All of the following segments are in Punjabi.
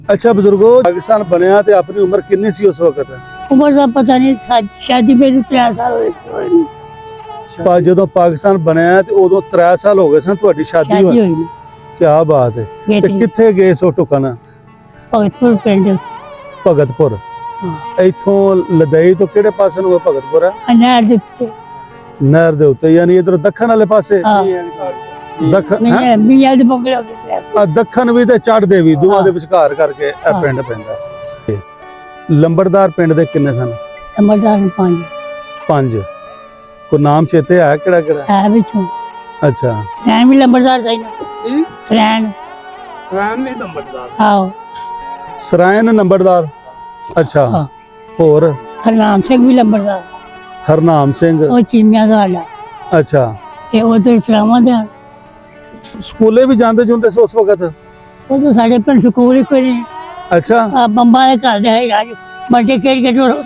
अच्छा बुजुर्गो, पाकिस्तान बनया ते अपनी उम्र कितनी सी उस वक्त? उम्र का पता नहीं, शादी मेरी 3 साल होए ਜਦੋਂ ਪਾਕਿਸਤਾਨ ਬਣਿਆ ਤੇ ਉਦੋਂ 3 ਸਾਲ ਹੋ ਗਏ ਸਨ ਤੁਹਾਡੀ ਸ਼ਾਦੀ ਹੋਈ। ਹੋਈ ਕੀ ਬਾਤ ਹੈ। ਤੇ ਕਿੱਥੇ ਗਏ ਸੋ ਟੁਕਨ? ਭਗਤਪੁਰ ਪਿੰਡ। ਭਗਤਪੁਰ। ਹਾਂ। ਇੱਥੋਂ ਲਦਈ ਤੋਂ ਕਿਹੜੇ ਪਾਸੇ ਨੂੰ ਭਗਤਪੁਰ ਹੈ? ਨਹਿਰ ਦੇ ਉੱਤੇ। ਨਹਿਰ ਦੇ ਉੱਤੇ, ਯਾਨੀ ਇਧਰ ਦੱਖਣ ਵਾਲੇ ਪਾਸੇ। ਦੱਖਣ ਨਹੀਂ, ਮੀਆਂ ਦੇ ਬੰਗਲੇ ਹੋ ਗਏ। ਦੱਖਣ ਵੀ ਤੇ ਚੜ੍ਹਦੇ ਵੀ, ਦੋਵਾਂ ਦੇ ਵਿਚਕਾਰ ਕਰਕੇ ਇਹ ਪਿੰਡ ਪੈਂਦਾ। ਲੰਬੜਦਾਰ ਪਿੰਡ ਦੇ ਕਿੰਨੇ ਸਨ? ਲੰਬੜਦਾਰ 5। ਕੋਈ ਨਾਮ ਚੇਤੇ ਹੈ ਕਿਹੜਾ? ਹੈ ਵਿੱਚੋਂ। ਅੱਛਾ। ਸਰੈਣ ਵੀ ਲੰਬੜਦਾਰ ਸੀ ਨਾ। ਸਰੈਣ ਵੀ ਨੰਬਰਦਾਰ। ਆਓ। ਸਰਾਇਨ ਨੰਬਰਦਾਰ। ਅੱਛਾ। ਹੋਰ? ਹਰਨਾਮ ਸਿੰਘ ਵੀ ਲੰਬੜਦਾਰ। ਹਰਨਾਮ ਸਿੰਘ। ਉਹ ਚੀਮਿਆਂ ਦਾ ਆਲਾ। ਅੱਛਾ। ਤੇ ਉਧਰ ਸਰਾਵਾਂ ਦੇ ਸਕੂਲੇ ਵੀ ਜਾਂਦੇ ਜੁੰਦੇ ਸੀ ਉਸ ਵਕਤ? ਉਹ ਤਾਂ ਸਾਡੇ ਪਿੰਡ ਸਕੂਲ ਹੀ ਕੋਈ ਨਹੀਂ। ਅੱਛਾ। ਬੰਬਾਂ ਦੇ ਘਰ ਦੇ ਰਾਜ ਬੱਚੇ ਖੇਡ ਕੇ ਢੋਲ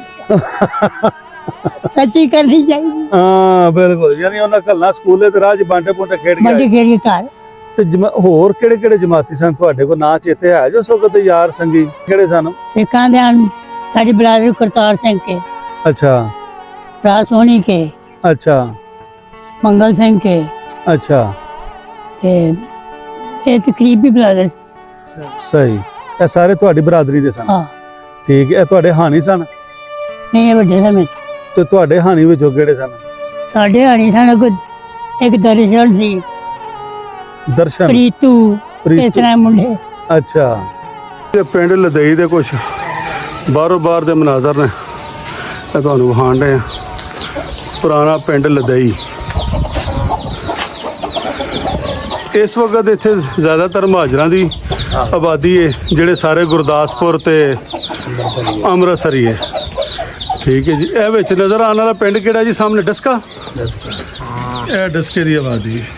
ਸੱਚੀ ਕਰਨੀ ਚਾਹੀਦੀ। ਹਾਂ ਬਿਲਕੁਲ, ਯਾਨੀ ਉਹਨਾਂ ਕੱਲਾ ਸਕੂਲੇ ਤੇ ਰਾਜ ਬਾਂਟੇ ਪੁੰਟੇ ਖੇਡ ਕੇ ਬੱਚੇ ਖੇਡ ਕੇ ਘਰ। ਤੇ ਹੋਰ ਕਿਹੜੇ ਕਿਹੜੇ ਜਮਾਤੀ ਸਨ ਤੁਹਾਡੇ ਕੋਲ? ਨਾਂ ਚੇਤੇ ਹੈ ਜੋ ਉਸ ਵਕਤ ਯਾਰ ਸੰਗੀ ਕਿਹੜੇ ਸਨ? ਸਿੱਖਾਂ ਦੇ ਹਨ ਸਾਡੀ ਬਰਾਦਰੀ ਕਰਤਾਰ ਸਿੰਘ ਕੇ। ਅੱਛਾ। ਭਰਾ ਸੋਹਣੀ ਕੇ। ਅੱਛਾ। ਮੰਗਲ ਸਿੰਘ ਕੇ। ਅੱਛਾ। ਤੇ ਇਹ ਤਕਰੀਬੀ ਬਰਾਦਰ। ਸਹੀ। ਇਹ ਸਾਰੇ ਤੁਹਾਡੀ ਬਰਾਦਰੀ ਦੇ ਸਨ? ਹਾਂ। ਠੀਕ ਹੈ। ਇਹ ਤੁਹਾਡੇ ਹਾਨੀ ਸਨ? ਨਹੀਂ, ਇਹ ਵੱਡੇ ਸਮੇਂ ਤੇ ਤੁਹਾਡੇ ਹਾਨੀ ਵਿੱਚੋਂ ਕਿਹੜੇ ਸਨ? ਸਾਡੇ ਹਾਨੀ ਸਨ ਇੱਕ ਦਰਸ਼ਨ ਸੀ, ਦਰਸ਼ਨ, ਪ੍ਰੀਤੂ, ਇਸ ਤਰ੍ਹਾਂ ਮੁੰਡੇ। ਅੱਛਾ। ਇਹ ਪਿੰਡ ਲਦਈ ਦੇ ਕੁਝ ਬਾਹਰੋਂ ਬਾਹਰ ਦੇ ਮਨਾਜ਼ਰ ਨੇ, ਇਹ ਤੁਹਾਨੂੰ ਵਿਖਾਣ ਰਹੇ ਆ। ਪੁਰਾਣਾ ਪਿੰਡ ਲਦਈ। ਇਸ ਵਕਤ ਇੱਥੇ ਜ਼ਿਆਦਾਤਰ ਮਹਾਜਰਾਂ ਦੀ ਆਬਾਦੀ ਹੈ, ਜਿਹੜੇ ਸਾਰੇ ਗੁਰਦਾਸਪੁਰ ਤੇ ਅੰਮ੍ਰਿਤਸਰੀ ਹੈ। ਠੀਕ ਹੈ ਜੀ। ਇਹ ਵਿੱਚ ਨਜ਼ਰ ਆਉਣ ਵਾਲਾ ਪਿੰਡ ਕਿਹੜਾ ਜੀ? ਸਾਹਮਣੇ ਡਸਕਾ। ਇਹ ਡਸਕੇ ਦੀ ਆਬਾਦੀ ਹੈ।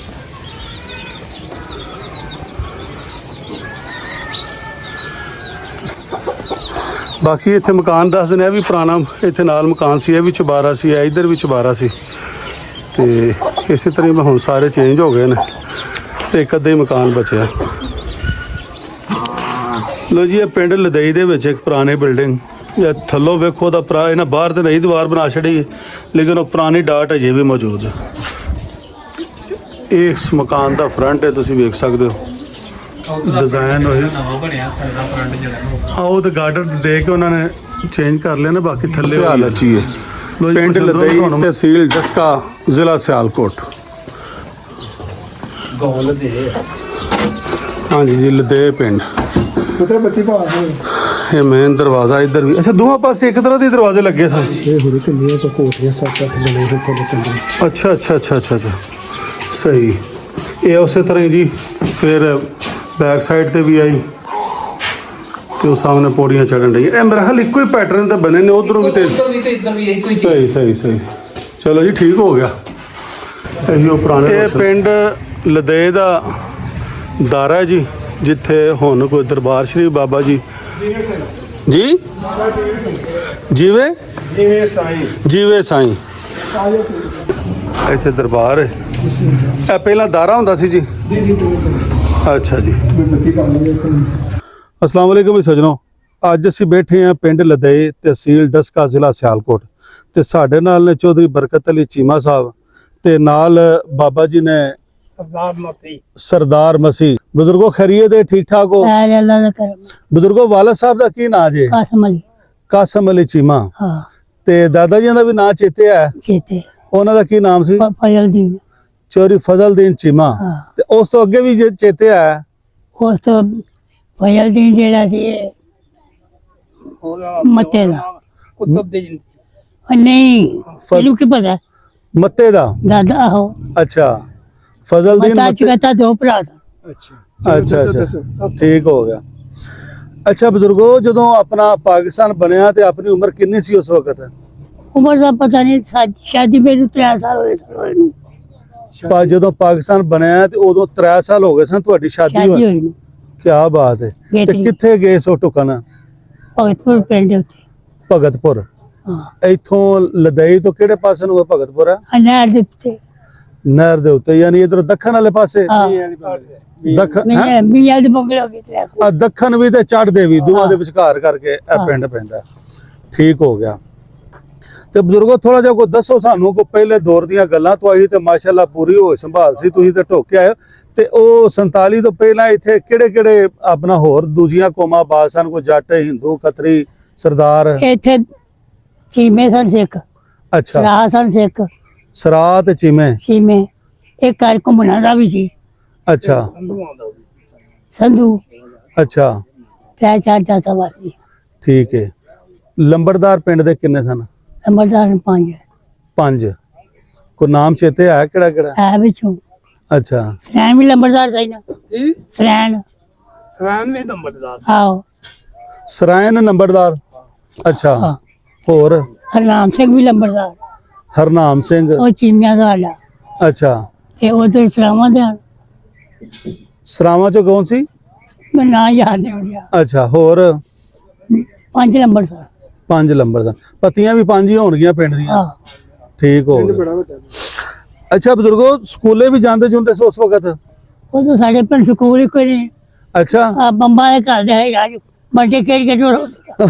ਬਾਕੀ ਇੱਥੇ ਮਕਾਨ ਦੱਸਦੇ ਨੇ, ਇਹ ਵੀ ਪੁਰਾਣਾ ਇੱਥੇ ਨਾਲ ਮਕਾਨ ਸੀ, ਇਹ ਵੀ ਚੁਬਾਰਾ ਸੀ, ਇਹ ਇੱਧਰ ਵੀ ਚੁਬਾਰਾ ਸੀ। ਤੇ ਇਸੇ ਤਰ੍ਹਾਂ ਹੁਣ ਸਾਰੇ ਚੇਂਜ ਹੋ ਗਏ ਨੇ ਤੇ ਇੱਕ ਅੱਧਾ ਹੀ ਮਕਾਨ ਬਚਿਆ। ਲੋ ਜੀ, ਇਹ ਪਿੰਡ ਲਦਈ ਦੇ ਵਿੱਚ ਇੱਕ ਪੁਰਾਣੀ ਬਿਲਡਿੰਗ, ਇਹ ਥੱਲੋਂ ਵੇਖੋ ਦਾ ਪੁਰਾਣਾ, ਇਹਨਾਂ ਬਾਹਰ ਤੇ ਨਹੀਂ ਦੀਵਾਰ ਬਣਾ ਛੜੀ, ਲੇਕਿਨ ਉਹ ਪੁਰਾਣੀ ਡਾਟ ਅਜੇ ਵੀ ਮੌਜੂਦ ਹੈ। ਇਹ ਇਸ ਮਕਾਨ ਦਾ ਫਰੰਟ ਹੈ, ਤੁਸੀਂ ਵੇਖ ਸਕਦੇ ਹੋ ਡਿਜ਼ਾਈਨ ਹੋਈ। ਉਹ ਤੇ ਗਾਰਡਨ ਦੇ ਕੇ ਉਹਨਾਂ ਨੇ ਚੇਂਜ ਕਰ ਲਿਆ ਨਾ, ਬਾਕੀ ਥੱਲੇ ਹਾਲ ਅੱਛੀ ਹੈ। ਪਿੰਡ ਲਦਈ, ਤਹਿਸੀਲ ਡਸਕਾ, ਜ਼ਿਲ੍ਹਾ ਸਿਆਲਕੋਟ। ਹਾਂਜੀ ਜੀ, ਲਦੇ ਪਿੰਡ। ਇਹ ਮੇਨ ਦਰਵਾਜ਼ਾ ਇੱਧਰ ਵੀ। ਅੱਛਾ, ਦੋਵਾਂ ਪਾਸੇ ਇੱਕ ਤਰ੍ਹਾਂ ਦੇ ਦਰਵਾਜ਼ੇ ਲੱਗੇ ਸਨ। ਅੱਛਾ ਅੱਛਾ ਅੱਛਾ ਅੱਛਾ ਅੱਛਾ, ਸਹੀ। ਇਹ ਉਸੇ ਤਰ੍ਹਾਂ ਹੀ ਜੀ ਫਿਰ ਬੈਕ ਸਾਈਡ ਤੇ ਵੀ ਆਈ ਤੇ ਉਹ ਸਾਹਮਣੇ ਪੌੜੀਆਂ ਚੜਨ ਰਹੀ। ਇਹ ਮੇਰਾ ਹਾਲ ਇੱਕੋ ਹੀ ਪੈਟਰਨ ਤੇ ਬਣੇ ਨੇ, ਉਧਰੋਂ ਵੀ ਤੇ ਸਹੀ ਸਹੀ ਸਹੀ। ਚਲੋ ਜੀ, ਠੀਕ ਹੋ ਗਿਆ। ਇਹੀ ਉਹ ਪੁਰਾਣੇ। ਇਹ ਪਿੰਡ ਲਦੇ ਦਾ ਦਾਰਾ ਹੈ ਜੀ, ਜਿੱਥੇ ਹੁਣ ਕੋਈ ਦਰਬਾਰ ਸ਼੍ਰੀ ਬਾਬਾ ਜੀ ਜੀ ਜੀਵੇ ਸਾਈਂ ਇੱਥੇ ਦਰਬਾਰ ਹੈ। ਇਹ ਪਹਿਲਾਂ ਦਾਰਾ ਹੁੰਦਾ ਸੀ ਜੀ? ਅੱਛਾ ਜੀ। अस्सलाम वालेकुम सजनों, ਅੱਜ ਅਸੀਂ ਬੈਠੇ ਹਾਂ ਪਿੰਡ ਲਦਈ, ਤਹਿਸੀਲ ਡਸਕਾ, ਜ਼ਿਲ੍ਹਾ ਸਿਆਲਕੋਟ। ਤੇ ਸਾਡੇ ਨਾਲ ਨੇ ਚੌਧਰੀ ਬਰਕਤ ਅਲੀ ਚੀਮਾ ਸਾਹਿਬ ਤੇ ਨਾਲ ਬਾਬਾ ਜੀ ਨੇ ਸਰਦਾਰ ਮਸੀਹ। ਬਜ਼ੁਰਗੋ ਖੈਰੀਅਤ ਹੈ? ਠੀਕ ਠਾਕ ਹੋ? ਅੱਲਾਹ ਦਾ ਕਰਮ। ਬਜ਼ੁਰਗੋ ਵਾਲਦ ਸਾਹਿਬ ਦਾ ਕੀ ਨਾਂ ਜੇ? ਕਾਸਮ ਅਲੀ ਚੀਮਾ। ਹਾਂ। ਤੇ ਦਾਦਾ ਜੀ ਦਾ ਵੀ ਨਾਂ ਚੇਤੇ ਹੈ? ਚੇਤੇ। ਉਹਨਾਂ ਦਾ ਕੀ ਨਾਮ ਸੀ? ਫਜ਼ਲਦੀਨ। ਚੌਧਰੀ ਫਜ਼ਲਦੀਨ ਚੀਮਾ। ਤੇ ਉਸ ਤੋਂ ਅੱਗੇ ਵੀ ਚੇਤੇ ਹੈ? ਉਸ ਤੋਂ ਫਜ਼ਲਦੀਨ ਜਿਹੜਾ ਸੀ ਮੱਤੇ ਦਾ। ਨਹੀਂ, ਤੈਨੂੰ ਕੀ ਪਤਾ? ਮੱਤੇ ਦਾ ਦਾਦਾ ਹੋ। ਅੱਛਾ, ਫਜ਼ਲਦੀਨ ਮੱਤਾ ਦੋ ਭਰਾ ਸਨ। ਅੱਛਾ ਅੱਛਾ, ਠੀਕ ਹੋ ਗਿਆ। ਅੱਛਾ ਬਜ਼ੁਰਗੋ, ਜਦੋਂ ਆਪਣਾ ਪਾਕਿਸਤਾਨ ਬਣਿਆ ਤੇ ਆਪਣੀ ਉਮਰ ਕਿੰਨੀ ਸੀ ਉਸ ਵਕਤ? ਉਮਰ ਦਾ ਪਤਾ ਨਹੀਂ, ਸ਼ਾਦੀ ਮੇਰੀ 3 ਸਾਲ ਹੋਏ। ਜਦੋਂ ਪਾਕਿਸਤਾਨ ਬਣਿਆ ਤੇ ਉਦੋਂ 3 ਸਾਲ ਹੋ ਗਏ ਸਨ ਤੁਹਾਡੀ ਸ਼ਾਦੀ ਹੋਈ। ਕੀ ਬਾਤ ਹੈ। ਤੇ ਕਿੱਥੇ ਗਏ ਸੋ ਟੁਕਨ? ਭਗਤਪੁਰ ਪਿੰਡ ਉੱਤੇ। ਭਗਤਪੁਰ। ਹਾਂ। ਇੱਥੋਂ ਲਦਈ ਤੋਂ ਕਿਹੜੇ ਪਾਸੇ ਨੂੰ ਭਗਤਪੁਰ ਹੈ? ਨਹਿਰ ਦੇ ਉੱਤੇ। ਨਹਿਰ ਦੇ ਉੱਤੇ, ਯਾਨੀ ਇਧਰ ਦੱਖਣ ਵਾਲੇ ਪਾਸੇ। ਹਾਂ ਦੱਖਣ ਮੈਂ ਮੀਆਂ ਦੇ ਬੰਗਲੇ ਹੋ ਗਏ ਤੇ ਦੱਖਣ ਵੀ ਤੇ ਚੜ੍ਹਦੇ ਵੀ, ਦੋਵਾਂ ਦੇ ਵਿਚਕਾਰ ਕਰਕੇ ਇਹ ਪਿੰਡ ਪੈਂਦਾ। ਠੀਕ ਹੋ ਗਿਆ। ਤੇ ਬਜ਼ੁਰਗੋ ਥੋੜਾ ਜਿਹਾ ਕੋ ਦੱਸੋ ਸਾਨੂੰ, ਕੋ ਪਹਿਲੇ ਦੌਰ ਦੀਆਂ ਗੱਲਾਂ ਤੋਂ ਆਈ ਤੇ ਮਾਸ਼ਾਅੱਲਾ ਪੂਰੀ ਹੋਏ ਸੰਭਾਲ ਸੀ, ਤੁਸੀਂ ਤੇ ਢੋਕੇ ਆਏ। ਤੇ ਉਹ 47 ਤੋਂ ਪਹਿਲਾਂ ਇੱਥੇ ਕਿਹੜੇ ਕਿਹੜੇ ਆਪਣਾ ਹੋਰ ਦੂਜੀਆਂ ਕੌਮਾਂ ਬਾਦ ਸਨ? ਕੋਈ ਜੱਟ, ਹਿੰਦੂ, ਖੱਤਰੀ, ਸਰਦਾਰ? ਇੱਥੇ ਚੀਮੇ ਸਨ ਸਿੱਖ, ਅੱਛਾ, ਸਰਾਹ ਸਨ ਸਿੱਖ, ਸਰਾਹ ਤੇ ਚੀਮੇ। ਚੀਮੇ ਇੱਕ ਘਰ ਘੁੰਮਣਾ ਦਾ ਵੀ ਸੀ, ਅੱਛਾ ਸੰਧੂ ਅੱਛਾ, ਤੈ ਚਾਰ ਜਾਤਾ ਵਾਸੀ। ਠੀਕ ਹੈ। ਲੰਬੜਦਾਰ ਪਿੰਡ ਦੇ ਕਿੰਨੇ ਸਨ? ਅਮਰਦਾਰ ਪੰਜ 5। ਕੋਈ ਨਾਮ ਚੇਤੇ ਹੈ ਕਿਹੜਾ ਕਿਹੜਾ? ਹੈ ਵਿੱਚੋਂ ਅੱਛਾ, ਸਰੈਣ ਵੀ ਲੰਬੜਦਾਰ ਸੀ ਨਾ, ਜੀ ਸਰੈਣ ਸਵੈਨ ਵੀ ਨੰਬਰਦਾਰ ਆਓ ਸਰਾਇਨ ਨੰਬਰਦਾਰ। ਅੱਛਾ, ਹਾਂ। ਹੋਰ? ਹਰਨਾਮ ਸਿੰਘ ਵੀ ਲੰਬੜਦਾਰ, ਹਰਨਾਮ ਸਿੰਘ। ਉਹ ਚੀਮਿਆਂ ਦਾ ਆਲਾ। ਅੱਛਾ, ਤੇ ਉਧਰ ਸਰਾਵਾਂ ਦੇ ਹਨ। ਸਰਾਵਾਂ ਚੋਂ ਕੌਣ ਸੀ? ਮੈਂ ਨਾਂ ਯਾਦ ਨਹੀਂ ਹੋ ਰਿਹਾ। ਅੱਛਾ, ਹੋਰ? 5 ਲੰਬੜਦਾਰ। 5 ਲੰਬਰਦਾਰ। ਪਤੀਆਂ ਵੀ 5 ਹੀ ਹੋਣਗੀਆਂ ਪਿੰਡ ਦੀਆਂ। ਹਾਂ ਠੀਕ ਹੋ ਗਿਆ। ਅੱਛਾ ਬਜ਼ੁਰਗੋ, ਸਕੂਲੇ ਵੀ ਜਾਂਦੇ ਜੁੰਦੇ ਸੀ ਉਸ ਵਕਤ? ਉਹ ਤਾਂ ਸਾਡੇ ਪਿੰਡ ਸਕੂਲ ਹੀ ਕੋਈ ਨਹੀਂ। ਅੱਛਾ, ਆ ਬੰਬਾਂ ਦੇ ਘਰ ਦੇ ਹੈ ਰਾਜ ਬੰਟੇ ਖੇਡ ਕੇ ਜੋੜੋ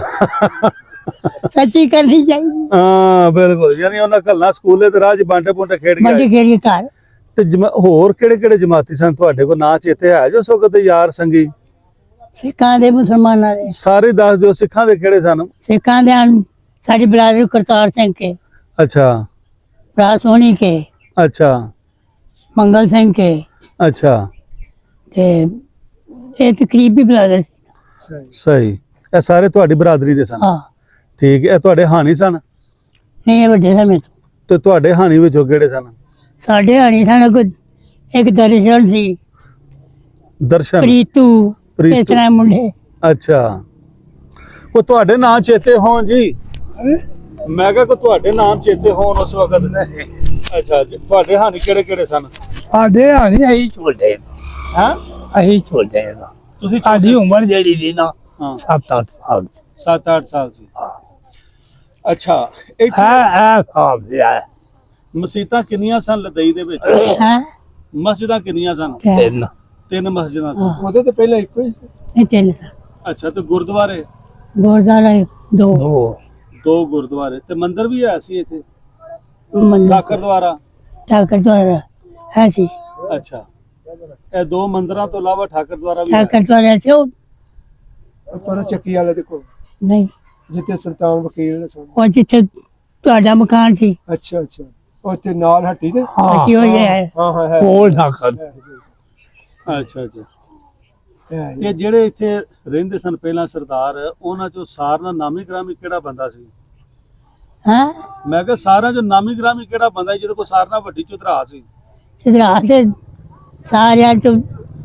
ਸੱਚੀ ਕਰਨੀ ਚਾਹੀਦੀ। ਹਾਂ ਬਿਲਕੁਲ, ਯਾਨੀ ਉਹਨਾਂ ਕੱਲ੍ਹ ਸਕੂਲੇ ਤੇ ਰਾਜ ਬਾਂਟੇ ਪੁੰਟੇ ਖੇਡ ਬੰਟੇ ਗਏ। ਖੇਡ ਕੇ ਘਰ ਤੇ ਹੋਰ ਕਿਹੜੇ ਕਿਹੜੇ ਜਮਾਤੀ ਸਨ ਤੁਹਾਡੇ ਕੋਲ? ਨਾਂ ਚੇਤੇ ਹੈ ਜੋ ਉਸ ਵਕਤ ਦੇ ਯਾਰ ਸੰਗੀ? ਸਿੱਖਾਂ ਦੇ ਮੁਸਲਮਾਨਾਂ ਦੇ ਸਾਰੇ ਦੱਸ ਦਿਓ। ਸਿੱਖਾਂ ਦੇ ਕਿਹੜੇ ਸਨ? ਸਿੱਖਾਂ ਦੇ ਹਨ ਸਾਡੀ ਬਰਾਦਰੀ ਕਰਤਾਰ ਸਿੰਘ ਕੇ, ਅੱਛਾ ਭਰਾ ਸੋਹਣੀ ਕੇ, ਅੱਛਾ ਮੰਗਲ ਸਿੰਘ ਕੇ, ਅੱਛਾ, ਤੇ ਇਹ ਤਕਰੀਬੀ ਬਰਾਦਰ ਸੀ। ਸਹੀ। ਇਹ ਸਾਰੇ ਤੁਹਾਡੀ ਬਰਾਦਰੀ ਦੇ ਸਨ? ਹਾਂ ਠੀਕ ਹੈ। ਇਹ ਤੁਹਾਡੇ ਹਾਨੀ ਸਨ? ਨਹੀਂ ਇਹ ਵੱਡੇ ਸਮੇਂ ਤੋਂ। ਤੇ ਤੁਹਾਡੇ ਹਾਨੀ ਵਿੱਚੋਂ ਕਿਹੜੇ ਸਨ? ਸਾਡੇ ਹਾਣੀ ਸਾਨੂੰ ਕੋਈ ਇੱਕ ਦਰਸ਼ਨ ਸੀ, ਦਰਸ਼ਨ, ਪ੍ਰੀਤੂ, ਪ੍ਰੀਤੂ। ਇਸ ਤਰ੍ਹਾਂ ਮੁੰਡੇ। ਅੱਛਾ, ਕੋ ਤੁਹਾਡੇ ਨਾਂ ਚੇਤੇ ਹੋਣ ਜੀ? ਮੈਂ ਕਿਹਾ ਕੋ ਤੁਹਾਡੇ ਨਾਮ ਚੇਤੇ ਹੋਣ ਉਸ ਵਕਤ? ਅੱਛਾ ਜੀ। ਤੁਹਾਡੇ ਹਾਨੀ ਕਿਹੜੇ ਕਿਹੜੇ ਸਨ? ਸਾਡੇ ਹਾਣੀ ਅਸੀਂ ਛੋਟੇ ਹਾਂ, ਅਸੀਂ ਛੋਟੇ ਤੁਸੀਂ ਸਾਡੀ ਉਮਰ ਜਿਹੜੀ ਸੀ ਨਾ ਹਾਂ 7-8 ਸਾਲ 7-8 ਸਾਲ ਸੀ। ਅੱਛਾ, ਹੈ ਇੱਥੇ ਹੈ ਸਾਬ ਹੈ ਮਸਜਿਦਾਂ ਕਿੰਨੀਆਂ ਸਨ ਲਦਈ ਦੇ ਵਿੱਚ? ਹੈ ਮਸਜਿਦਾਂ ਕਿੰਨੀਆਂ ਸਨ? ਤਿੰਨ 3 ਮਸਜਿਦਾਂ ਸਨ। ਉਹਦੇ ਤੇ ਪਹਿਲਾਂ ਇੱਕੋ ਹੀ ਇਹ ਤਿੰਨ ਸਨ। ਅੱਛਾ, ਤੇ ਗੁਰਦੁਆਰੇ? ਗੁਰਦਾਰਾ ਦੋ ਦੋ 2 ਗੁਰਦੁਆਰੇ ਤੇ ਮੰਦਿਰ ਵੀ ਹੈ ਸੀ ਇੱਥੇ? ਮੰਦਰ ਠਾਕਰ ਦੁਆਰਾ? ਠਾਕਰ ਦੁਆਰਾ ਹੈ ਸੀ। ਅੱਛਾ, ਇਹ 2 ਮੰਦਿਰਾਂ ਤੋਂ ਇਲਾਵਾ ਠਾਕਰ ਦੁਆਰਾ ਵੀ ਹੈ? ਠਾਕਰ ਦੁਆਰਾ ਸੀ ਉਹ ਪਰ ਚੱਕੀ ਵਾਲੇ ਦੇ ਕੋਲ ਨਹੀਂ, ਜਿੱਥੇ ਸੁਲਤਾਨ ਵਕੀਲ ਨੇ ਸੁਣ। ਉਹ ਜਿੱਥੇ ਤੁਹਾਡਾ ਮਕਾਨ ਸੀ ਅੱਛਾ ਅੱਛਾ, ਉੱਥੇ ਨਾਲ ਹੱਟੀ ਤੇ ਕੀ ਹੋ ਜਾਏ ਹਾਂ ਹਾਂ ਹੈ ਉਹ ਠਾਕਰ ਅੱਛਾ ਅੱਛਾ। ਹੈ ਤੇ ਜਿਹੜੇ ਇੱਥੇ ਰਹਿੰਦੇ ਸਨ ਪਹਿਲਾਂ ਸਰਦਾਰ, ਉਹਨਾਂ ਚੋਂ ਸਾਰਿਆਂ ਨਾਲ ਨਾਮੀ ਗ੍ਰਾਮੀ ਕਿਹੜਾ ਬੰਦਾ ਸੀ? ਹਾਂ ਮੈਂ ਕਿਹਾ ਸਾਰਿਆਂ ਚੋਂ ਨਾਮੀ ਗ੍ਰਾਮੀ ਕਿਹੜਾ ਬੰਦਾ ਸੀ ਜਿਹਦੇ ਕੋਲ ਸਾਰਿਆਂ ਨਾਲ ਵੱਡੀ ਚੁਤਰਾ ਸੀ? ਸਿਧਰਾ ਤੇ ਸਾਰਿਆਂ ਤੋਂ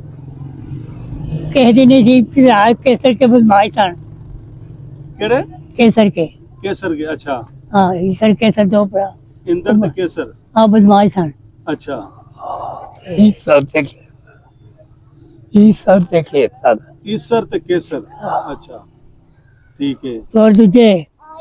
ਕਿਸੇ ਦੀ ਨਹੀਂ ਸੀ। ਸਿਧਰਾ ਕੇਸਰ ਕੇ ਬਦਮਾਸ਼ ਸਨ। ਕਿਹੜੇ? ਕੇਸਰ ਕੇ, ਕੇਸਰ ਕੇ। ਅੱਛਾ, ਹਾਂ ਈਸਰ ਕੇਸਰ ਦੋ ਭਰਾ ਇੰਦਰ ਤੇ ਕੇਸਰ। ਆ ਬਦਮਾਸ਼ ਸਨ। ਅੱਛਾ, ਇਹ ਸਭ ਤੇ ਇਹ ਸਭ ਤੇ ਖੇਤਾਂ ਈਸਰ ਤੇ ਕੇਸਰ। ਅੱਛਾ, ਠੀਕ ਹੈ। ਔਰ ਦੂਜੇ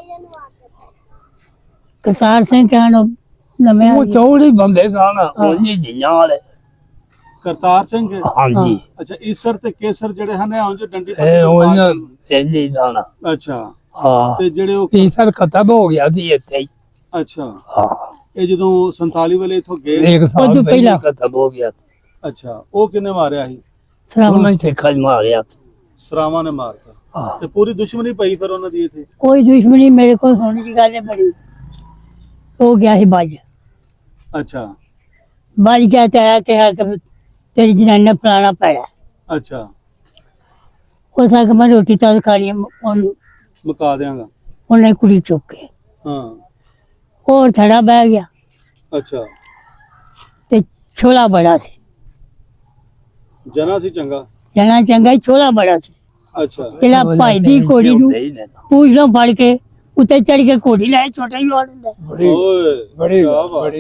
ਕਰਤਾਰ ਸਿੰਘ ਕਹਿਣ ਨਵੇਂ ਉਹ ਚੌੜੇ ਬੰਦੇ ਸਨ ਉਹਨੇ ਜੀਆਂ ਵਾਲੇ। ਕਰਤਾਰ ਸਿੰਘ। ਹਾਂਜੀ, ਅੱਛਾ, ਈਸਰ ਤੇ ਕੇਸਰ ਜਿਹੜੇ ਹਨ ਇਹ ਉਂਝ ਡੰਡੀ ਇਹ ਫੱਟੀ ਉਹਨਾਂ ਇੰਨੀ ਦਾਣਾ। ਅੱਛਾ, ਹਾਂ, ਤੇ ਜਿਹੜੇ ਉਹ ਇਹ ਸਰ ਖਤਮ ਹੋ ਗਿਆ ਸੀ ਇੱਥੇ ਹੀ। ਅੱਛਾ, ਹਾਂ, ਇਹ ਜਦੋਂ 47 ਵੇਲੇ ਇਥੋਂ ਗਏ? ਇੱਕ ਸਾਲ ਉਦੋਂ ਪਹਿਲਾਂ ਪਹਿਲਾਂ। ਖਤਮ ਹੋ ਗਿਆ। ਅੱਛਾ, ਉਹ ਕਿੰਨੇ ਮਾਰਿਆ ਸੀ? ਸਰਾਵਾਂ ਉਹਨਾਂ ਨੇ ਖਜ ਮਾਰਿਆ। ਸਰਾਵਾਂ ਨੇ ਮਾਰਤਾ। ਹਾਂ, ਤੇ ਪੂਰੀ ਦੁਸ਼ਮਣੀ ਪਈ ਫਿਰ ਉਹਨਾਂ ਦੀ ਇੱਥੇ? ਕੋਈ ਦੁਸ਼ਮਣੀ ਮੇਰੇ ਕੋਲ ਸੁਣਨ ਦੀ ਗੱਲ ਹੈ ਬੜੀ। ਹੋ ਗਿਆ ਸੀ ਬਾਜ ਅੱਛਾ ਬਾਜ ਗਿਆ ਤੇ ਆਇਆ ਕਿਹਾ ਕਿ ਤੇਰੀ ਜਨਾਨੀ ਨੇ ਫਲਾਣਾ ਪੈੜਾ। ਅੱਛਾ, ਉਹ ਥਾ ਕਿ ਮੈਂ ਰੋਟੀ ਤਾਂ ਖਾਣੀ ਹੈ। ਮੁਕਾ ਦਿਆਂਗਾ। ਉਹਨੇ ਕੁੜੀ ਚੁੱਕ ਕੇ ਹਾਂ, ਹੋਰ ਥੜਾ ਬਹਿ ਗਿਆ ਅੱਛਾ। ਤੇ ਛੋਲਾ ਬੜਾ ਸੀ। ਜਨਾ ਸੀ ਚੰਗਾ? ਜਣਾ ਚੰਗਾ ਹੀ, ਛੋਲਾ ਬੜਾ ਸੀ। ਅੱਛਾ, ਜਿਹੜਾ ਭਾਈ ਦੀ ਘੋੜੀ ਨੂੰ ਨਹੀਂ ਲੈਣਾ। ਪੂਛ ਲੋ ਫੜ ਕੇ ਉੱਤੇ ਚੜ ਕੇ ਘੋੜੀ ਲੈ, ਛੋਟਾ ਹੀ ਵਾਰ ਹੁੰਦਾ ਬੜੀ ਓਏ ਬੜੀ ਕਿਆ ਬਾਤ। ਬੜੀ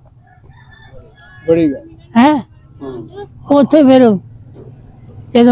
ਬੜੀ ਗੱਲ ਹੈ। ਹਾਂ, ਉੱਥੇ ਫਿਰ ਜਦੋਂ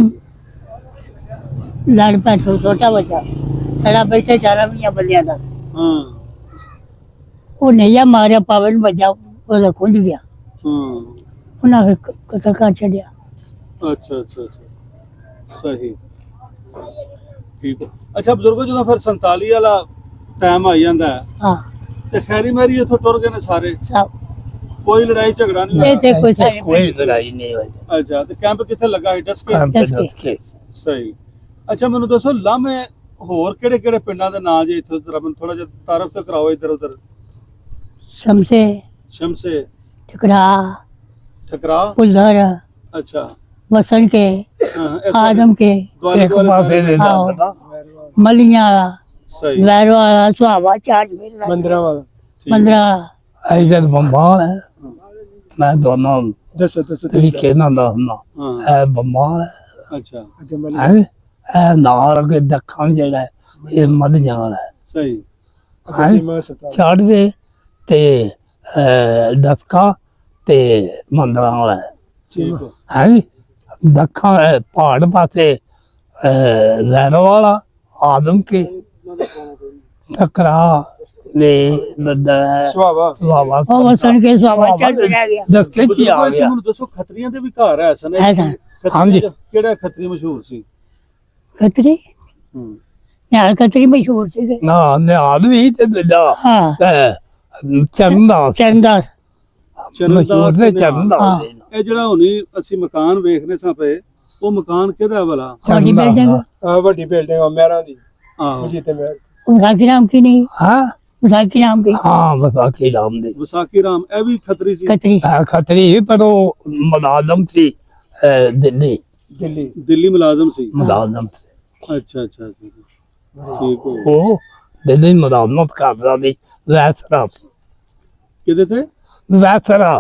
ਲੜ ਪੈ ਛੋਟਾ ਬੱਚਾ ਥੜਾ ਬੈਠੇ 4 ਬੰਦਿਆਂ ਦਾ, ਹਾਂ, ਉਹ ਨਈਆ ਮਾਰਿਆ ਪਾਵੇ ਨੂੰ ਵੱਜਾ, ਉਹਦਾ ਖੁੰਝ ਗਿਆ। ਉਹਨਾਂ ਫਿਰ ਕਤਲ ਕਰ ਛੱਡਿਆ। ਅੱਛਾ ਅੱਛਾ ਅੱਛਾ ਸਹੀ ਠੀਕ। ਅੱਛਾ ਬਜ਼ੁਰਗੋ ਜਦੋਂ ਫਿਰ 47 ਵਾਲਾ ਟਾਈਮ ਆ ਜਾਂਦਾ ਹੈ ਹਾਂ ਤੇ ਖੈਰੀ ਮੈਰੀ ਇੱਥੋਂ ਟੁਰ ਗਏ ਨੇ ਸਾਰੇ, ਸਭ ਕੋਈ ਲੜਾਈ ਝਗੜਾ ਨਹੀਂ ਇਹ ਹੋਇਆ? ਤੇ ਕੋਈ ਸਾਡੇ ਕੋਈ ਲੜਾਈ ਨਹੀਂ ਹੋਈ। ਅੱਛਾ ਤੇ ਕੈਂਪ ਕਿੱਥੇ ਲੱਗਾ ਸੀ? ਡਸਕੇ? ਕੰਮ ਦੱਸ ਤੇ ਕੇ। ਸਹੀ। ਅੱਛਾ ਮੈਨੂੰ ਦੱਸੋ ਲਾਮੇ ਹੋਰ ਕਿਹੜੇ ਕਿਹੜੇ ਪਿੰਡਾਂ ਦੇ ਨਾਂ ਜੇ ਇੱਥੋਂ ਜ਼ਰਾ ਮੈਨੂੰ ਥੋੜਾ ਜਿਹਾ ਤਾਰਫ ਤੇ ਕਰਾਓ ਇੱਧਰ ਉੱਧਰ। ਸ਼ਮਸੇ, ਸ਼ਮਸੇ, ਟਕਰਾ, ਠਕਰਾ, ਪੁਲਧਰ, ਅੱਛਾ ਵਸਣ ਕੇ, ਹਾਂ, ਇਸ ਆਦਮ ਕੇ, ਦੁਆਲੇ ਇੱਕ ਦੁਆਲੇ ਪਾਸੇ ਸਾਰੇ ਦੇ ਆਹੋ। ਲੱਗਦਾ ਮਲੀਆਂ ਵਾਲਾ, ਸਹੀ ਵੈਰੋ ਵਾਲਾ, ਸੁਹਾਵਾ, ਚਾਰਜ ਮੇਰਾ, ਮੰਦਰਾਂ ਵਾਲਾ ਠੀਕ। ਮੰਦਰਾ ਵਾਲਾ। ਇਧਰ ਬੰਬਾਲ ਹੈ। ਮੈਂ ਦੋਨੋਂ ਦੱਸੋ ਦੱਸੋ ਤਰੀਕੇ ਨਾਲ ਦੱਸਣਾ। ਹਾਂ ਇਹ ਬੰਬਾਲ ਹੈ, ਅੱਛਾ ਅੱਗੇ ਮਲੀ ਇਹ ਨਾਲ ਅੱਗੇ ਦੱਖਣ ਜਿਹੜਾ ਹੈ, ਇਹ ਮੱਧਿਆਂ ਵਾਲਾ ਹੈ। ਸਹੀ ਅੱਗੇ ਸੀਮਾ ਸਤਾ ਚੜ੍ਹਦੇ ਤੇ ਡਸਕਾ ਤੇ ਮੰਦਰਾਂ ਵਾਲਾ ਹੈ। ਠੀਕ ਹੋ। ਹੈ ਦੱਖਣ ਪਹਾੜ ਪਾਸੇ ਵੈਰੋ ਵਾਲਾ, ਆਦਮ ਕੇ, ਟਕਰਾ ਨੇ ਨੰਦਾ ਸੁਹਾਵਾ ਸੁਹਾਵਾ ਉਹ ਵਸਣ ਕੇ ਸੁਹਾਵਾ ਚਾਰਜ ਰਹਿ ਗਿਆ। ਦਸਕੇ ਚ ਹੀ ਆ ਬਜ਼ੁਰਗੋ, ਗਿਆ। ਮੈਨੂੰ ਦੱਸੋ ਖੱਤਰੀਆਂ ਦੇ ਵੀ ਘਰ ਹੈ ਸਨ? ਹੈ ਸਨ। ਖੱਤਰੀਆਂ ਹਾਂਜੀ। ਚ ਕਿਹੜਾ ਖੱਤਰੀ ਮਸ਼ਹੂਰ ਸੀ? ਖਤਰੀ ਹੂੰ ਨਾਲ ਖਤਰੀ ਮਸ਼ਹੂਰ ਸੀਗੇ। ਨਾ ਨਿਹਾਲ ਵੀ ਤੇ ਦੂਜਾ ਹਾਂ ਚੰਦਾ ਚੰਦਾਸ ਮਸ਼ਹੂਰ ਚਰਨਦਾਸ ਨੇ ਤੇ ਚੰਦਾ ਹਾਂ। ਇਹ ਜਿਹੜਾ ਹੁਣੀ ਅਸੀਂ ਮਕਾਨ ਵੇਖਨੇ ਸਾਂ ਪਏ, ਉਹ ਮਕਾਨ ਕਿਹਦਾ ਵਾਲਾ? ਤੁਹਾਡੀ ਬਿਲਡਿੰਗ ਆ ਵੱਡੀ ਬਿਲਡਿੰਗ ਆ ਮਹਿਰਾਂ ਦੀ ਆਹੋ ਮਸਜਿਦ ਤੇ ਮਹਿਰ ਵਿਸਾਖੀ ਨਾਮ ਕੀ ਨਹੀਂ? ਹਾਂ ਵਿਸਾਖੀ ਨਾਮ ਕੀ? ਹਾਂ ਵਿਸਾਖੀ ਰਾਮ ਦੇ ਵਿਸਾਖੀ ਰਾਮ, ਇਹ ਵੀ ਖੱਤਰੀ ਸੀ? ਖਤਰੀ ਖਤਰੀ ਪਰ ਉਹ ਮੁਲਾਜ਼ਮ ਸੀ ਦਿੱਲੀ ਦਿੱਲੀ ਦਿੱਲੀ ਮੁਲਾਜ਼ਮ ਸੀ? ਮੁਲਾਜ਼ਮ ਸੀ ਅੱਛਾ ਅੱਛਾ ਅੱਛਾ। ਠੀਕ ਹੋ। ਉਹ ਦਿੱਲੀ ਮੁਲਾਜ਼ਮਤ ਕਰਦਾ ਸੀ। ਵੈਸਰਾ ਕਿਹਦੇ ਤੇ? ਵੈਸਰਾ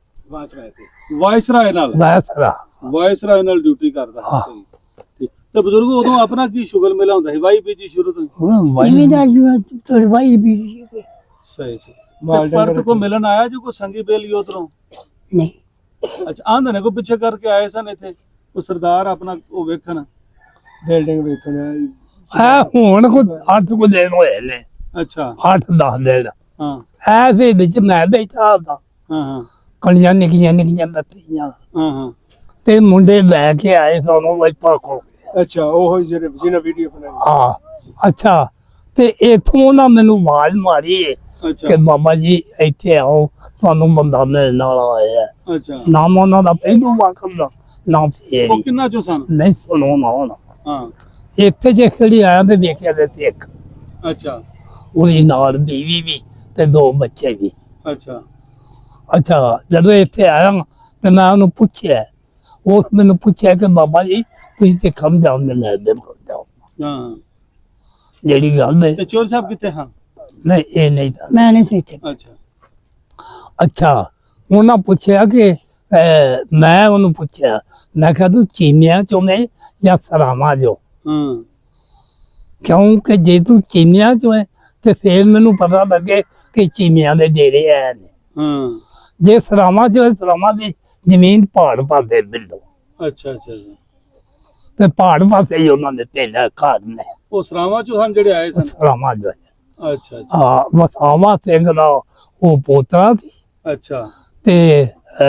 ਵਾਇਸਰਾਏ ਨਾਲ? ਵੈਸਰਾ ਵਾਇਸਰਾਏ ਨਾਲ ਡਿਊਟੀ ਕਰਦਾ ਸੀ। ਸਹੀ ਠੀਕ। ਤੇ ਬਜ਼ੁਰਗੋ ਉਦੋਂ ਆਪਣਾ ਕੀ ਸ਼ੁਗਲ ਮੇਲਾ ਹੁੰਦਾ ਸੀ? ਵਾਈ ਬੀਜੀ ਸ਼ੁਰੂ ਤੋਂ ਹੀ? ਇਵੇਂ ਦਾ ਤੁਹਾਡੇ ਭਾਈ ਵੀ ਸੀਗੇ। ਸਹੀ ਸੀ। ਮਾਲ ਪਰ ਡੰਗਰ ਕੋ ਮਿਲਣ ਆਇਆ ਜੋ ਕੋ ਸੰਗੀ ਬੇਲੀ ਉਧਰੋਂ? ਨਹੀਂ ਅੱਛਾ ਆਂਦੇ ਨੇ ਕੋ ਪਿੱਛੇ ਕਰਕੇ ਆਏ ਸਨ ਇੱਥੇ ਉਹ ਸਰਦਾਰ ਆਪਣਾ ਉਹ ਵੇਖਣ? ਬਿਲਡਿੰਗ ਵੇਖਣਾ ਹੈ ਹੁਣ ਕੋ 8 ਕੋ ਦਿਨ ਹੋਏ ਨੇ, ਅੱਛਾ 8-10 ਦਿਨ। ਹਾਂ ਐਸੇ ਵਿੱਚ ਮੈਂ ਬੈਠਾ ਦਾ ਹਾਂ ਹਾਂ ਕਣੀਆਂ ਨਿੱਕੀਆਂ ਦੱਤੀਆਂ ਹਾਂ ਹਾਂ ਤੇ ਮੁੰਡੇ ਲੈ ਕੇ ਆਏ ਸਾਨੂੰ ਵਾਈਪਾ ਕੋ। ਅੱਛਾ ਉਹ ਜਿਹੜੇ ਜਿਹਨਾਂ ਵੀਡੀਓ ਬਣਾਈ ਆ ਅੱਛਾ ਤੇ ਇਥੋਂ ਨਾ ਮੈਨੂੰ ਆਵਾਜ਼ ਮਾਰੀ ਅੱਛਾ ਕਿ ਬਾਬਾ ਜੀ ਇੱਥੇ ਆਓ, ਤੁਹਾਨੂੰ ਬੰਦਾ ਮਿਲਣ ਵਾਲਾ ਆਇਆ। ਅੱਛਾ। ਨਾਮ ਉਹਨਾਂ ਦਾ ਪਹਿਲੂ ਵਾਕਮ ਦਾ ਨਾਮ ਫੇਰ ਉਹ ਕਿੰਨਾ ਚੋਂ ਸਨ? ਨਹੀਂ ਸੁਣੋ ਨਾ ਹੁਣ ਹਾਂ ਇੱਥੇ ਜੇ ਖੜੀ ਆਇਆ ਤੇ ਵੇਖਿਆ ਤੇ ਸਿੱਖ, ਅੱਛਾ ਉਹਦੀ ਨਾਲ ਬੀਵੀ ਵੀ ਤੇ 2 ਬੱਚੇ ਵੀ। ਅੱਛਾ ਅੱਛਾ ਜਦੋਂ ਇੱਥੇ ਆਇਆ ਤੇ ਮੈਂ ਉਹਨੂੰ ਪੁੱਛਿਆ, ਉਹ ਮੈਨੂੰ ਪੁੱਛਿਆ ਕਿ ਬਾਬਾ ਜੀ ਤੁਸੀਂ ਤੇ ਖਮ ਜਾਉਂਦੇ ਨੇ ਦੇ ਜਾਓ ਹਾਂ। ਜਿਹੜੀ ਗੱਲ ਹੈ। ਤੇ ਚੋਰ ਸਾਹਿਬ ਕਿੱਥੇ ਹਨ? ਨਹੀਂ ਇਹ ਨਹੀਂ ਤਾਂ। ਮੈਂ ਨਹੀਂ ਸੀ ਇੱਥੇ। ਅੱਛਾ ਅੱਛਾ ਉਹਨਾਂ ਪੁੱਛਿਆ ਕਿ ਮੈਂ ਉਹਨੂੰ ਪੁੱਛਿਆ, ਮੈਂ ਕਿਹਾ ਤੂੰ ਚੀਮਿਆਂ ਚੋਂ ਮੈਂ ਜਾਂ ਸਰਾਵਾਂ ਚੋਂ? ਹਾਂ ਕਿਉਂਕਿ ਜੇ ਤੂੰ ਚੀਮਿਆਂ ਚੋਂ ਹੈ ਤੇ ਫੇਰ ਮੈਨੂੰ ਪਤਾ ਲੱਗੇ ਕਿ ਚੀਮਿਆਂ ਦੇ ਡੇਰੇ ਆਏ ਨੇ। ਹਾਂ ਜੇ ਸਰਾਵਾਂ ਚੋਂ ਹੈ, ਸਰਾਵਾਂ ਦੀ ਜ਼ਮੀਨ ਪਹਾੜ ਪਾਸੇ ਬਿਲਡੋ ਅੱਛਾ ਅੱਛਾ ਅੱਛਾ। ਤੇ ਪਹਾੜ ਪਾਸੇ ਹੀ ਉਹਨਾਂ ਦੇ ਪਿੰਡ ਘਰ ਨੇ। ਉਹ ਸਰਾਵਾਂ ਚੋਂ ਹਨ ਜਿਹੜੇ ਆਏ ਸਨ? ਸਰਾਵਾਂ ਜੋ ਹੈ। ਅੱਛਾ ਅੱਛਾ ਹਾਂ ਵਸਾਵਾ ਸਿੰਘ ਦਾ ਉਹ ਪੋਤਰਾ ਸੀ ਅੱਛਾ ਤੇ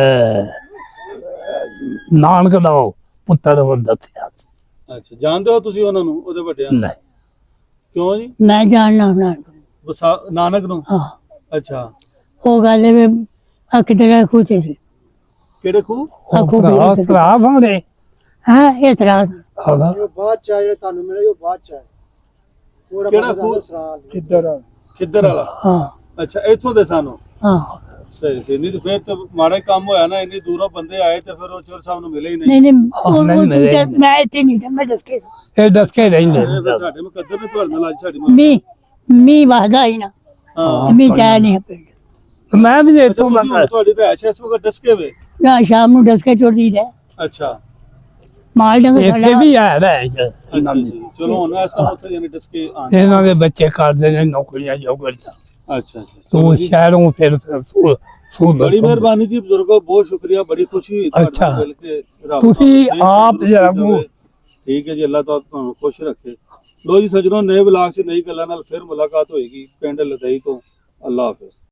ਨਾਨਕ ਦਾ ਉਹ ਪੁੱਤਰ ਉਹ ਦੱਸਿਆ ਸੀ। ਅੱਛਾ। ਜਾਣਦੇ ਹੋ ਤੁਸੀਂ ਉਹਨਾਂ ਨੂੰ, ਉਹਦੇ ਵੱਡਿਆਂ ਨੂੰ? ਨਹੀਂ ਕਿਉਂ ਜੀ? ਮੈਂ ਜਾਣਨਾ ਉਹਨਾਂ ਨੂੰ। ਨਾਨਕ ਨੂੰ? ਹਾਂ ਅੱਛਾ। ਉਹ ਗੱਲ ਹੈ ਆ ਕਿਧਰ ਖੂਤੇ ਸੀ। ਕਿਹੜੇ ਖੂਹ? ਆਖੋ ਵੀ ਭਰਾ ਇੱਥੇ। ਭਰਾ ਭਾਣੇ ਹਾਂ ਇਹ ਤਰ੍ਹਾਂ ਹੈਗਾ। ਉਹ ਬਾਅਦ ਚ ਜਿਹੜੇ ਤੁਹਾਨੂੰ ਮਿਲੇ ਉਹ ਬਾਅਦ ਚ ਆਏ। ਕਿਹੜਾ ਖੂਹ? ਕਿੱਧਰ ਆ ਖਿੱਦਰ ਵਾਲਾ? ਹਾਂ ਅੱਛਾ ਇੱਥੋਂ ਦੇ ਸਾਨੂੰ? ਹਾਂ ਸਹੀ ਸਹੀ। ਨਹੀਂ ਤੇ ਫਿਰ ਤਾਂ ਮਾੜਾ ਹੀ ਕੰਮ ਹੋਇਆ ਨਾ, ਇੰਨੀ ਦੂਰੋਂ ਬੰਦੇ ਆਏ ਤੇ ਫਿਰ ਉਹ ਚੋਰ ਸਾਹਿਬ ਨੂੰ ਮਿਲੇ ਹੀ ਨਹੀਂ। ਨਹੀਂ ਨਹੀਂ ਨਹੀਂ, ਉਹ ਮੇਰੇ ਦੂਜਾ- ਨਹੀਂ। ਮੈਂ ਇੱਥੇ ਨਹੀਂ ਸੀ, ਮੈਂ ਦੱਸ ਕੇ ਇਹ ਦੱਸ ਕੇ ਰਹਿੰਦੇ ਇਹ ਫਿਰ ਸਾਡੇ ਮੁਕੱਦਰ ਨੇ ਤੁਹਾਡੇ ਨਾਲ ਅੱਜ ਸਾਡੀ ਮੀ ਵਾਹਦਾ ਹੀ ਨਾ ਹਾਂ। ਮੀ ਚਾਹ ਨਹੀਂ ਪਿੰਡ ਮੈਂ ਵੀ ਅੱਛਾ ਇੱਥੋਂ ਤੁਸੀਂ ਹੁਣ ਤੁਹਾਡੀ ਰਹਿائش ਇਸ ਵਕਤ ਡਸਕੇ ਵੇ? ਨਾ ਸ਼ਾਮ ਨੂੰ ਦੱਸ ਕੇ ਚੋਰ ਦੀ ਹੈ ਅੱਛਾ ਮਾਲ ਡੰਗ ਇੱਥੇ ਸਾਡਾ ਵੀ ਆ ਰਿਹਾ ਅੱਛਾ ਜੀ। ਚਲੋ ਹੁਣ ਇਸ ਤਰ੍ਹਾਂ ਉੱਥੇ ਯਾਨੀ ਡਸਕੇ ਆਣ। ਇਹਨਾਂ ਦੇ ਬੱਚੇ ਕਰਦੇ ਨੇ ਨੌਕਰੀਆਂ ਜੋਗਰਤਾ ਅੱਛਾ ਅੱਛਾ। ਤੂੰ ਸ਼ਹਿਰੋਂ ਫਿਰ ਬੜੀ ਮਿਹਰਬਾਨੀ ਜੀ ਬਜ਼ੁਰਗੋ, ਬਹੁਤ ਸ਼ੁਕਰੀਆ, ਬੜੀ ਖੁਸ਼ੀ ਹੋਈ ਤੁਹਾਡੇ ਨਾਲ ਅੱਛਾ। ਮਿਲ ਕੇ। ਰੱਬ ਤੁਸੀਂ ਤੁਹਾਨੂੰ ਆਪ ਸਿਹਤ ਜਰਾ ਤੰਦਰੁਸਤੀ ਦੇਵੇ। ਠੀਕ ਹੈ ਜੀ, ਅੱਲਾਹ ਤੁਹਾਨੂੰ ਖੁਸ਼ ਰੱਖੇ। ਲੋ ਜੀ ਸੱਜਣੋ, ਨਏ ਵਲਾਗ 'ਚ ਨਈ ਗੱਲਾਂ ਨਾਲ ਫਿਰ ਮੁਲਾਕਾਤ ਹੋਏਗੀ ਪਿੰਡ ਲਦਈ ਤੋਂ। ਅੱਲਾਹ ਹਾਫਿਜ਼।